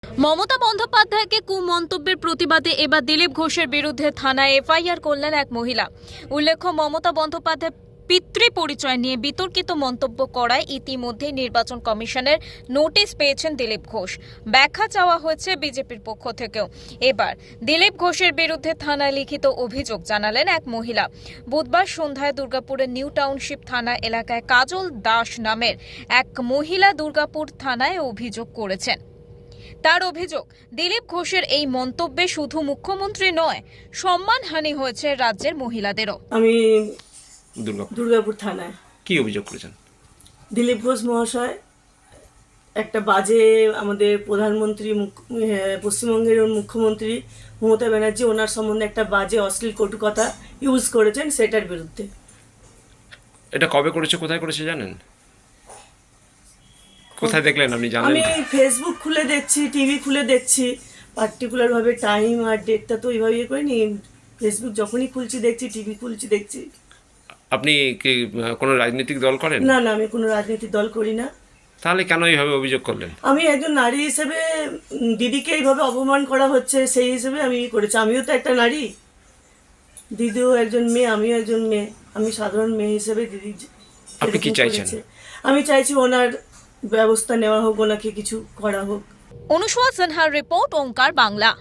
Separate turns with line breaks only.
মমতা বন্দ্যোপাধ্যায়কে কুমন্তব্যের প্রতিবাদে এবার দিলীপ ঘোষের বিরুদ্ধে থানায় এফআইআর করলেন এক মহিলা। উল্লেখ্য, মমতা বন্দ্যোপাধ্যায় পিতৃ পরিচয় নিয়ে বিতর্কিত মন্তব্য করায় ইতিমধ্যে নির্বাচন কমিশনের নোটিশ পেয়েছেন দিলীপ ঘোষ। ব্যাখ্যা চাওয়া হয়েছে বিজেপির পক্ষ থেকেও। এবার দিলীপ ঘোষের বিরুদ্ধে থানায় লিখিত অভিযোগ জানালেন এক মহিলা। বুধবার সন্ধ্যায় দুর্গাপুরের নিউ টাউনশিপ থানা এলাকায় কাজল দাস নামের এক মহিলা দুর্গাপুর থানায় অভিযোগ করেছেন। তার অভিযোগ, দিলীপ ঘোষের এই মন্তব্যে শুধু মুখ্যমন্ত্রী নয়, সম্মানহানি হয়েছে রাজ্যের মহিলাদেরও।
আমি দুর্গাপুর থানায়
কি অভিযোগ করেছেন?
দিলীপ ঘোষ মহাশয় একটা বাজে আমাদের প্রধানমন্ত্রী পশ্চিমবঙ্গের মুখ্যমন্ত্রী মমতা ব্যানার্জি ওনার সম্বন্ধে একটা বাজে অশ্লীল কটু কথা ইউজ করেছেন, সেটার বিরুদ্ধে।
এটা কবে করেছে, কোথায় করেছে জানেন? কোথায় দেখলেন আপনি, জানেন?
আমি ফেসবুক খুলে দেখছি, টিভি খুলে দেখছি, পার্টিকুলারভাবে টাইম আর ডেটটা তো ওইভাবে ইয়ে করিনি। ফেসবুক যখনই খুলছি দেখছি, টিভি খুলছি দেখছি।
আপনি কি কোনো রাজনৈতিক দল করেন?
না না, আমি কোনো রাজনৈতিক দল করি না।
তাহলে কেন এইভাবে অভিযোগ করলেন?
আমি একজন নারী হিসেবে দিদিকে এইভাবে অপমান করা হচ্ছে, সেই হিসেবে আমি করেছি। আমিও তো একটা নারী, দিদিও একজন মেয়ে, আমিও একজন মেয়ে। আমি সাধারণ মেয়ে হিসেবে দিদি
আপনি কি চাইছেন?
আমি চাইছি ওনার ব্যবস্থা নেওয়া হোক, ওনাকে কিছু করা হোক।
অনুসোয়া সিনহার রিপোর্ট, ওঙ্কার বাংলা।